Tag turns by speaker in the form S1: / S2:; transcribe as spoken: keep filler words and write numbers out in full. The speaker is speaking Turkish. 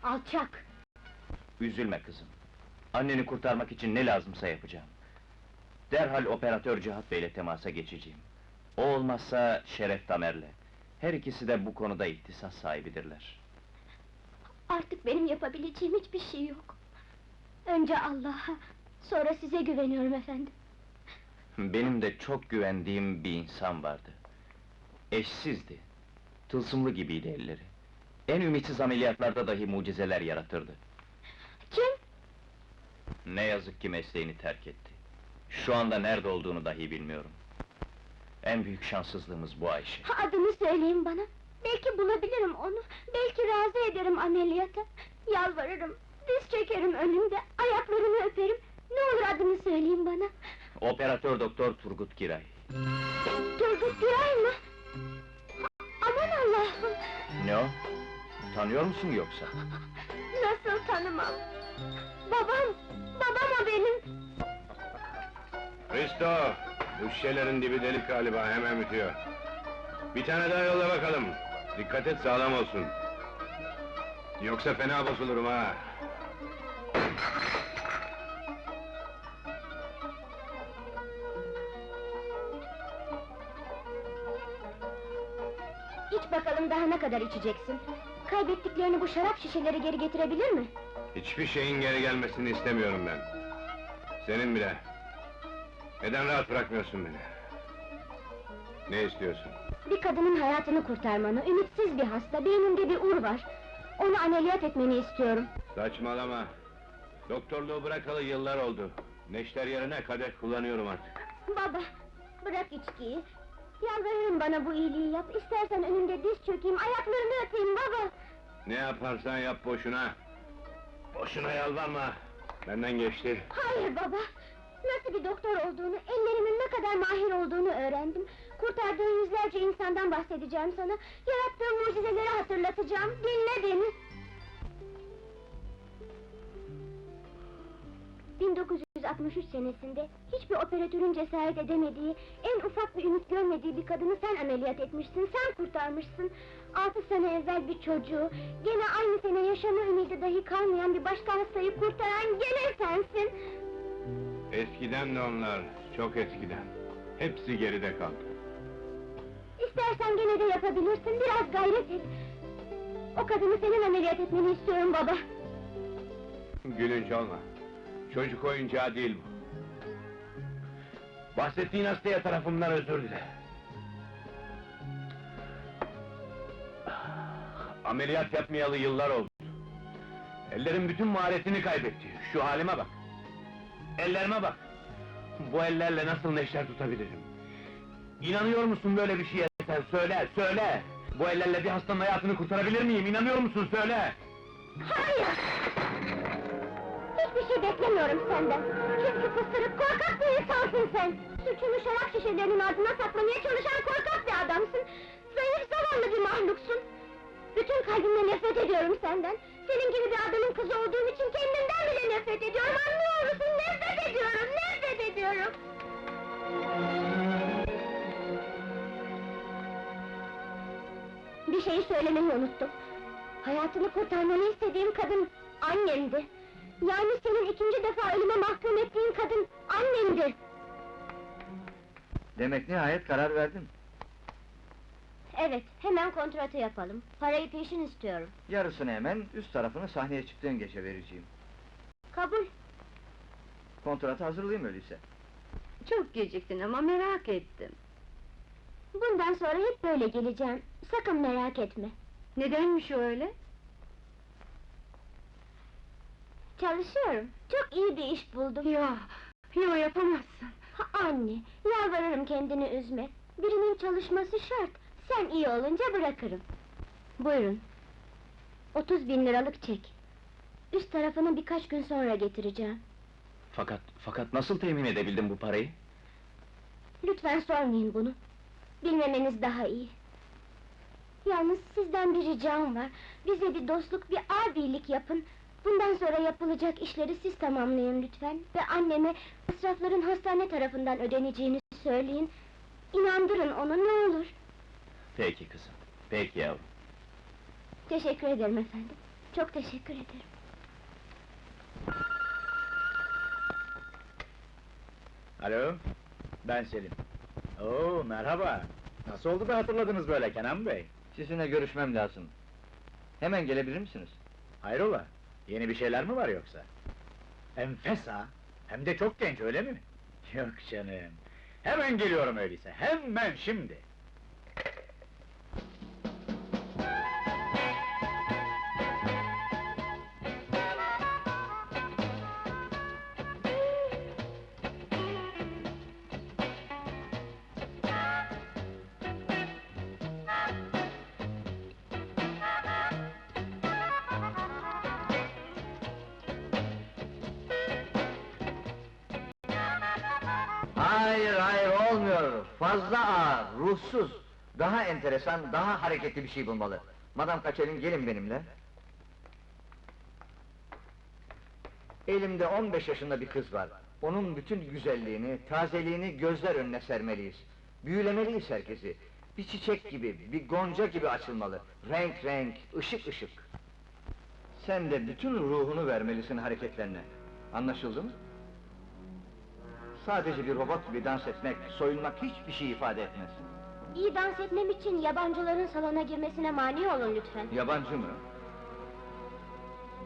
S1: Alçak!
S2: Üzülme kızım. Anneni kurtarmak için ne lazımsa yapacağım. Derhal operatör Cihat Bey'le temasa geçeceğim. O olmazsa Şeref Damer'le. Her ikisi de bu konuda ihtisas sahibidirler.
S1: Artık benim yapabileceğim hiçbir şey yok. Önce Allah'a, sonra size güveniyorum efendim.
S2: Benim de çok güvendiğim bir insan vardı. Eşsizdi. Tılsımlı gibiydi elleri. En ümitsiz ameliyatlarda dahi mucizeler yaratırdı.
S1: Kim?
S2: Ne yazık ki mesleğini terk etti. Şu anda nerede olduğunu dahi bilmiyorum. En büyük şanssızlığımız bu Ayşe.
S1: Adını söyleyin bana. Belki bulabilirim onu. Belki razı ederim ameliyata. Yalvarırım, diz çekerim önünde, ayaklarını öperim. Ne olur adını söyleyin bana.
S2: Operatör doktor Turgut Giray.
S1: Turgut Giray mı? Aman Allah'ım!
S2: Ne o? Tanıyor musun yoksa?
S1: Nasıl tanımam? Babam! Babam o benim!
S3: Hristo! Bu şişelerin dibi delik galiba, hemen bitiyor. Bir tane daha yolla bakalım. Dikkat et, sağlam olsun. Yoksa fena bozulurum ha!
S1: İç bakalım daha ne kadar içeceksin? Kaybettiklerini bu şarap şişeleri geri getirebilir mi?
S3: Hiçbir şeyin geri gelmesini istemiyorum ben. Senin bile. Neden rahat bırakmıyorsun beni? Ne istiyorsun?
S1: Bir kadının hayatını kurtarmanı, ümitsiz bir hasta, beyninde bir ur var. Onu ameliyat etmeni istiyorum.
S3: Saçmalama! Doktorluğu bırakalı yıllar oldu. Neşter yerine kadeh kullanıyorum artık.
S1: Baba, bırak içkiyi. Yalvarırım bana bu iyiliği yap, istersen önünde diz çökeyim, ayaklarını öpeyim baba!
S3: Ne yaparsan yap boşuna! Boşuna yalvarma! Benden geçti.
S1: Hayır baba! Nasıl bir doktor olduğunu, ellerimin ne kadar mahir olduğunu öğrendim. Kurtardığın yüzlerce insandan bahsedeceğim sana. Yarattığım mucizeleri hatırlatacağım, dinle beni! bin dokuz yüz altmış üç senesinde, hiçbir operatörün cesaret edemediği, en ufak bir ümit görmediği bir kadını sen ameliyat etmişsin, sen kurtarmışsın! Altı sene evvel bir çocuğu, gene aynı sene yaşama ümidi dahi kalmayan bir başka hastayı kurtaran gene sensin!
S3: Eskiden de onlar, çok eskiden. Hepsi geride kaldı.
S1: İstersen gene de yapabilirsin, biraz gayret et! O kadını senin ameliyat etmeni istiyorum baba!
S3: Gülünç olma. Çocuk oyuncağı değil bu. Bahsettiğin hastaya tarafımdan özür dile. Ameliyat yapmayalı yıllar oldu. Ellerim bütün maharetini kaybetti. Şu halime bak. Ellerime bak. Bu ellerle nasıl neşter tutabilirim? İnanıyor musun böyle bir şeye sen? Söyle, söyle! Bu ellerle bir hastanın hayatını kurtarabilir miyim? İnanıyor musun? Söyle!
S1: Hayır! Hiçbir şey beklemiyorum senden! Çünkü fısırık, korkak bir insansın sen! Suçunu şarap şişelerinin ardına saklamaya çalışan korkak bir adamsın! Zayıf, zavallı bir mahluksun! Bütün kalbimle nefret ediyorum senden! Senin gibi bir adamın kızı olduğum için kendimden bile nefret ediyorum, anlıyor musun? Nefret ediyorum, nefret ediyorum! Bir şeyi söylemeyi unuttum! Hayatını kurtarmanı istediğim kadın, annemdi! Yani senin ikinci defa ölüme mahkum ettiğin kadın, annemdi!
S4: Demek nihayet karar verdin.
S1: Evet, hemen kontratı yapalım. Parayı peşin istiyorum.
S4: Yarısını hemen, üst tarafını sahneye çıktığın gece vereceğim.
S1: Kabul!
S4: Kontratı hazırlayayım öyleyse.
S1: Çok geciktin ama merak ettim. Bundan sonra hep böyle geleceğim, sakın merak etme. Nedenmiş öyle? Çalışıyorum, çok iyi bir iş buldum. Yo, yo yapamazsın. Ha, anne, yalvarırım kendini üzme. Birinin çalışması şart, sen iyi olunca bırakırım. Buyurun. Otuz bin liralık çek. Üst tarafını birkaç gün sonra getireceğim.
S2: Fakat, fakat nasıl temin edebildin bu parayı?
S1: Lütfen sormayın bunu. Bilmemeniz daha iyi. Yalnız sizden bir ricam var. Bize bir dostluk, bir abilik yapın. Bundan sonra yapılacak işleri siz tamamlayın lütfen. Ve anneme masrafların hastane tarafından ödeneceğini söyleyin. İnandırın onu, ne olur.
S2: Peki kızım, peki yavrum.
S1: Teşekkür ederim efendim. Çok teşekkür ederim.
S5: Alo, ben Selim. Oo, merhaba. Nasıl oldu da hatırladınız böyle Kenan Bey?
S4: Sizinle görüşmem lazım. Hemen gelebilir misiniz?
S5: Hayrola, yeni bir şeyler mi var yoksa? Enfes ha, hem de çok genç öyle mi? Yok canım, hemen geliyorum öyleyse, hemen şimdi!
S4: Hayır, hayır, olmuyor! Fazla ağır, ruhsuz! Daha enteresan, daha hareketli bir şey bulmalı. Madam Kaçer'in gelin benimle. Elimde on beş yaşında bir kız var. Onun bütün güzelliğini, tazeliğini gözler önüne sermeliyiz. Büyülemeliyiz herkesi. Bir çiçek gibi, bir gonca gibi açılmalı. Renk renk, ışık ışık. Sen de bütün ruhunu vermelisin hareketlerine. Anlaşıldı mı? Sadece bir robot gibi dans etmek, soyunmak hiçbir şey ifade etmez.
S1: İyi dans etmem için yabancıların salona girmesine mani olun lütfen.
S4: Yabancı mı?